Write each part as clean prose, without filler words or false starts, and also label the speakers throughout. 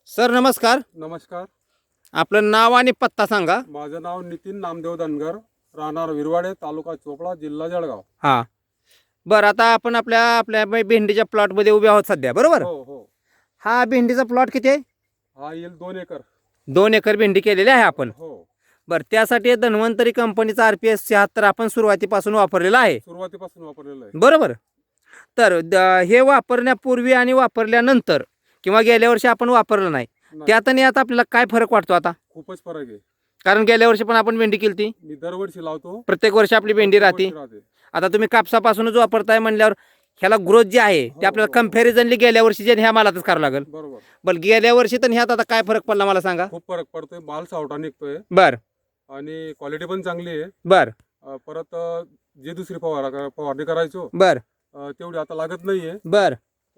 Speaker 1: Sir नमस्कार.
Speaker 2: नमस्कार.
Speaker 1: आपलं नाव आणि पत्ता सांगा.
Speaker 2: माझं नाव नितीन नामदेव धनगर, राहणार विरवाडे, तालुका चोपडा, जिल्हा जळगाव.
Speaker 1: हां, बरं. आता आपण आपल्या आपल्या भेंडीच्या प्लॉटमध्ये उभे आहोत सध्या, बरोबर?
Speaker 2: हो हो.
Speaker 1: हा भेंडीचा प्लॉट किती आहे?
Speaker 2: हा येईल 2 एकर.
Speaker 1: 2 एकर भेंडी केलेली आहे आपण.
Speaker 2: हो.
Speaker 1: बरं, त्यासाठी धन्वंतरी कंपनीचा RPS 76 आपण सुरुवातीपासून वापरलेला आहे,
Speaker 2: सुरुवातीपासून वापरलेलं आहे.
Speaker 1: बरोबर? तर हे वापरण्यापूर्वी आणि वापरल्यानंतर किंवा गेल्या वर्षी आपण वापरलं नाही, त्यात आणि आता आपल्याला काय फरक वाटतो? आता
Speaker 2: खूपच फरक आहे.
Speaker 1: कारण गेल्या वर्षी पण आपण भेंडी केली ती,
Speaker 2: मी दरवर्षी लावतो.
Speaker 1: प्रत्येक वर्षी आपली भेंडी राहते. आता तुम्ही कापसापासूनच वापरताय म्हणल्यावर ह्याला ग्रोथ जी आहे ते आपल्याला कम्पॅरिझनली गेल्या वर्षी जे ह्या मालातच करावं लागेल.
Speaker 2: बरोबर.
Speaker 1: बरं, गेल्या वर्षी तर ह्यात आता काय फरक पडला मला सांगा.
Speaker 2: खूप फरक पडतोय. माल सावटा निघतोय.
Speaker 1: बर
Speaker 2: आणि क्वालिटी पण चांगली आहे.
Speaker 1: बर
Speaker 2: परत जे दुसरी फवारणी करायचो
Speaker 1: बर
Speaker 2: तेवढी आता लागत नाहीये.
Speaker 1: बर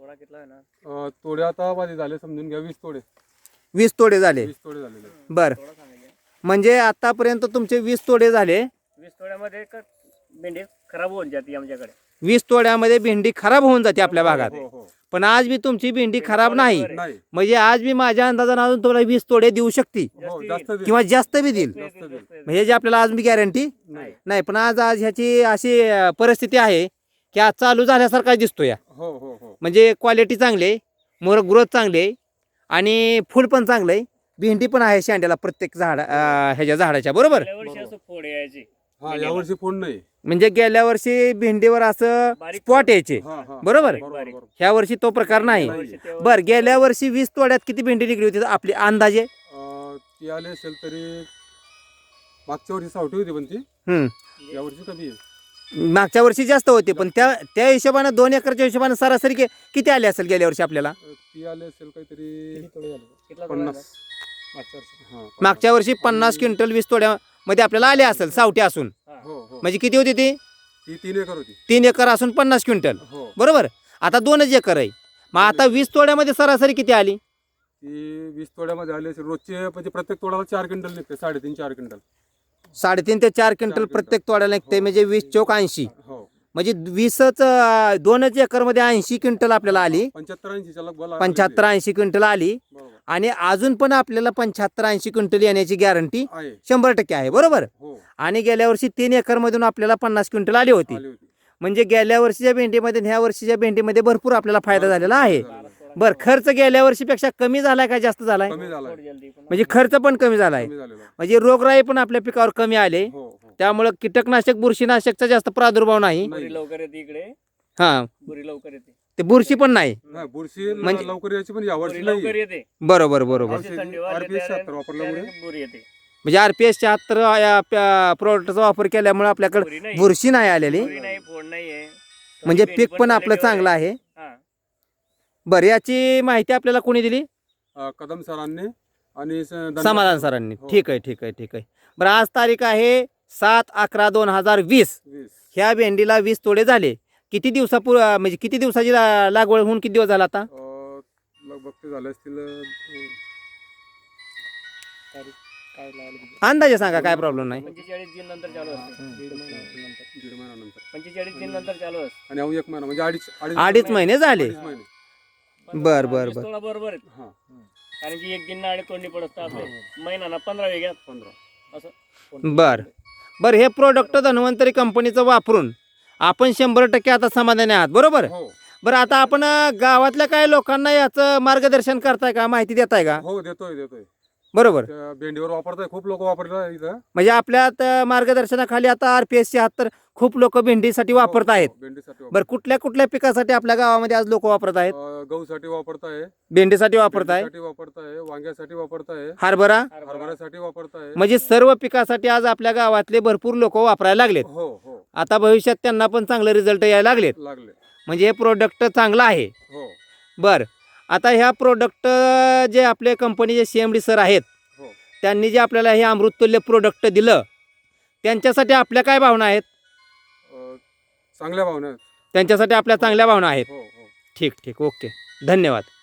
Speaker 2: तोडे आता माझे झाले, समजून घ्या 20 तोडे.
Speaker 1: 20 तोडे झाले.
Speaker 2: 20 तोडे झालेले.
Speaker 1: बर, म्हणजे आतापर्यंत तुमचे 20 तोडे झाले.
Speaker 3: 20 तोड्यामध्ये भेंडी खराब होऊन जाते आमच्याकडे.
Speaker 1: 20 तोड्यामध्ये भेंडी खराब होऊन जाते आपल्या भागात.
Speaker 2: हो हो.
Speaker 1: पण आज बी तुमची भेंडी खराब नाही,
Speaker 2: नाही.
Speaker 1: म्हणजे आज बी माझ्या अंदाजानं अजून तुम्हाला 20 तोडे देऊ शकते
Speaker 2: हो, जास्त देईल.
Speaker 1: किंवा जास्त बी देईल.
Speaker 2: जास्त देईल.
Speaker 1: म्हणजे जे आपल्याला आज बी गॅरंटी
Speaker 2: नाही.
Speaker 1: नाही. पण आज ह्याची अशी परिस्थिती आहे की आज चालू झाल्यासारखा दिसतो या.
Speaker 2: हो हो हो.
Speaker 1: म्हणजे क्वालिटी चांगली आहे, मोर ग्रोथ चांगली आहे आणि फुल पण चांगलं आहे. भेंडी पण आहे शेंड्याला प्रत्येक ह्याच्या झाडाच्या, बरोबर?
Speaker 3: गेल्या वर्षी असं फोड यायची.
Speaker 2: हा, यावर्षी फोन नाही.
Speaker 1: म्हणजे गेल्या वर्षी भेंडीवर असं
Speaker 3: बारीक
Speaker 1: स्पॉट यायचे,
Speaker 2: हा, हा.
Speaker 1: बरोबर?
Speaker 2: बरोबर.
Speaker 1: ह्या वर्षी तो प्रकार नाही. बर, गेल्या वर्षी 20 तोड्यात किती भेंडी निघली होती आपली अंदाजे?
Speaker 2: ती आली असेल तरी मागच्या वर्षी सावटी होती, पण ती यावर्षी कमी आहे.
Speaker 1: मागच्या वर्षी जास्त होते, पण त्या हिशोबानं 2 एकरच्या हिशोबानं सरासरी किती आले असेल गेल्या वर्षी आपल्याला?
Speaker 2: ती आली असेल काहीतरी
Speaker 3: कितला
Speaker 2: 50. हा,
Speaker 1: मागच्या वर्षी 50 क्विंटल 20 तोड्यामध्ये आपल्याला आले असेल सावटी असून.
Speaker 2: हो हो.
Speaker 1: म्हणजे किती होती ती?
Speaker 2: ती 3 एकर होती.
Speaker 1: 3 एकर असून 50 क्विंटल,
Speaker 2: हो.
Speaker 1: बरोबर? आता 2च एकर आहे. मग आता 20 तोड्यामध्ये सरासरी किती आली?
Speaker 2: ती 20 तोड्यामध्ये आली असेल. रोजचे म्हणजे प्रत्येक तोड्याला 4 क्विंटल निघते. 3.5-4 क्विंटल.
Speaker 1: 3.5 ते 4 क्विंटल प्रत्येक तोड्याला निघते. म्हणजे 20 चौक 80,
Speaker 2: हो.
Speaker 1: म्हणजे 2च एकरमध्ये 80 क्विंटल आपल्याला आली. 75-80 क्विंटल आली. आणि अजून पण आपल्याला 75-80 क्विंटल येण्याची गॅरंटी 100% आहे, बरोबर?
Speaker 2: हो.
Speaker 1: आणि गेल्या वर्षी 3 एकर मधून आपल्याला 50 क्विंटल आली होती. म्हणजे गेल्या वर्षीच्या भेंडीमध्ये ह्या वर्षीच्या भेंडीमध्ये भरपूर आपल्याला फायदा झालेला आहे. बर, खर्च गेल्या वर्षीपेक्षा कमी झालाय का जास्त झालाय?
Speaker 2: कमी झालाय.
Speaker 1: म्हणजे खर्च पण कमी झालाय,
Speaker 2: कमी झालेला.
Speaker 1: म्हणजे रोगराई पण आपल्या पिकावर कमी आले.
Speaker 2: हो हो.
Speaker 1: त्यामुळे कीटकनाशक बुरशीनाशकचा जास्त प्रादुर्भाव नाही.
Speaker 3: बुरी लवकर येते इकडे.
Speaker 1: हा,
Speaker 3: बुरी लवकर येते.
Speaker 1: ते बुरशी पण नाही.
Speaker 2: नाही, बुरशी लवकर यायची, पण यावर्षी
Speaker 3: बुरी
Speaker 2: नाही.
Speaker 3: लवकर येते.
Speaker 1: बरोबर बरोबर.
Speaker 3: अशी थंडी वाजते
Speaker 2: RPS 76
Speaker 3: त्यावेळेस
Speaker 2: वापरल्यामुळे
Speaker 3: बुरी येते.
Speaker 1: म्हणजे RPS 76 या प्रोडक्टचा वापर केल्यामुळे आपल्याकडे बुरशी नाही आलेली.
Speaker 3: बुरी नाही, फोड नाहीये.
Speaker 1: म्हणजे
Speaker 3: भेंडी
Speaker 1: पीक पण आपलं
Speaker 3: quality
Speaker 1: चांगलं आहे.
Speaker 3: हा.
Speaker 1: बरं, याची माहिती आपल्याला कोणी दिली?
Speaker 2: कदम सरांनी आणि
Speaker 1: समाधान सरांनी.
Speaker 2: हो.
Speaker 1: ठीक आहे ठीक आहे ठीक आहे. बरं, आज तारीख आहे 7/11/2020. ह्या भेंडीला 20 तोडे झाले. किती म्हणजे किती दिवसाची लागवड होऊन किती दिवस झाला आता?
Speaker 2: लगभग ते झाले असतील
Speaker 1: अंदाजे सांगा, काय प्रॉब्लेम नाही.
Speaker 3: 45 दिन नंतर चालू असते.
Speaker 2: 1.5 महिन्यानंतर.
Speaker 3: 45 दिन नंतर चालू असते.
Speaker 2: आणि अहो 1 महिना म्हणजे
Speaker 1: अडीच महिने झाले.
Speaker 2: 2.5 महिने.
Speaker 1: बर बर बर.
Speaker 3: तोडा बरोबर आहे.
Speaker 2: हा.
Speaker 3: कारण की 1 दिन आणि तोडणी पडत आपले महिना 15 वेगळ्यात
Speaker 2: 15.
Speaker 3: असं.
Speaker 1: बर, हे प्रोडक्ट धन्वंतरी कंपनीचं वापरून आपण 100% आता समाधानी आहात, बरोबर?
Speaker 2: हो
Speaker 1: बरं, आता आपण गावातल्या काही लोकांना याचं मार्गदर्शन करताय का, माहिती देताय का?
Speaker 2: हो, देतोय.
Speaker 1: बरोबर.
Speaker 2: त्या भेंडीवर वापरताय, खूप लोक वापरतात इथं.
Speaker 1: म्हणजे आपल्या मार्गदर्शनाखाली आता RPS 76 खूप लोक भेंडीसाठी वापरत आहेत.
Speaker 2: भेंडीसाठी
Speaker 1: बरं, कुठल्या कुठल्या पिकासाठी आपल्या गावामध्ये आज लोक वापरत आहेत?
Speaker 2: गहूसाठी वापरताय,
Speaker 1: भेंडीसाठी वापरताय,
Speaker 2: वापरताय, वांग्यासाठी वापरताय,
Speaker 1: हरभरा,
Speaker 2: हरभऱ्यासाठी वापरताय.
Speaker 1: म्हणजे सर्व पिकासाठी आज आपल्या गावातले भरपूर लोक वापरायला लागलेत.
Speaker 2: हो हो.
Speaker 1: आता भविष्यात त्यांना पण चांगले रिझल्ट यायला लागले. म्हणजे हे प्रोडक्ट चांगलं आहे.
Speaker 2: हो.
Speaker 1: बर, आता ह्या प्रोडक्ट जे आपले कंपनीचे CMD सर आहेत,
Speaker 2: हो.
Speaker 1: त्यांनी जे आपल्याला हे अमृततुल्य प्रोडक्ट दिलं, त्यांच्यासाठी आपल्या काय भावना आहेत?
Speaker 2: चांगल्या भावना आहेत.
Speaker 1: त्यांच्यासाठी आपल्या चांगल्या भावना आहेत.
Speaker 2: हो हो.
Speaker 1: ठीक ठीक, ओके, धन्यवाद.